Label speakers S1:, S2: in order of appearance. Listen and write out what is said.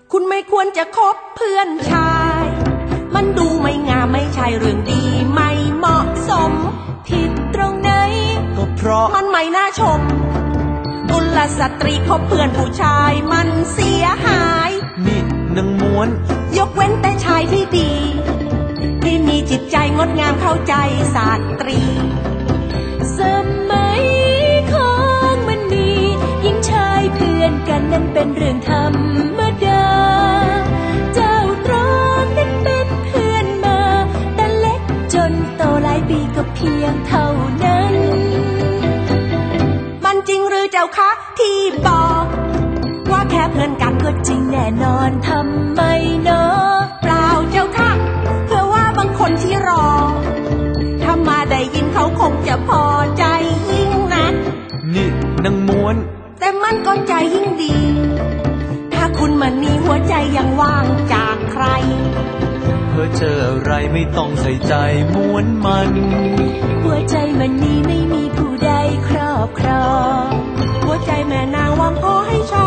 S1: คุณไม่ควรจะคบเพื่อนชายมันดูไม่งามไม่ใช่เรื่องดีไม่เหมาะสม
S2: ผิดตรงไหน
S1: ก็เพราะมันไม่น่าชมกุลสตรีคบเพื่อนผู้ชายมันเสียหาย
S3: นี่นางม้วน
S1: ยกเว้นแต่ชายที่ดีที่มีจิตใจงดงามเข้าใจสตรี
S2: สมัยของมันมีหญิงชายเพื่อนกันนั้นเป็นเรื่องธรรมดาเจ้าตรองนั้นเป็นเพื่อนมาแต่เล็กจนโตหลายปีก็เพียงเท่านั้น
S1: มันจริงหรือเจ้าคะที่บอกว่าแค่เพื่อนกันก็จริงแน่นอน
S2: ทำไมเนาะ
S1: เปล่าเจ้าค่ะเพื่อว่าบางคนที่รอถ้ามาได้ยินเขาคงจะพอใจยิ่งนัก
S3: นี่นางม้วน
S1: แต่มันก็ใจยิ่งดีถ้าคุณมันมีหัวใจยังว่างจากใคร
S3: เพ้อเจออะไรไม่ต้องใส่ใจม้วนมัน
S2: หัวใจมันนี้ไม่มีผู้ใดครอบครอง
S1: หัวใจแม่นางวางพอให้ฉัน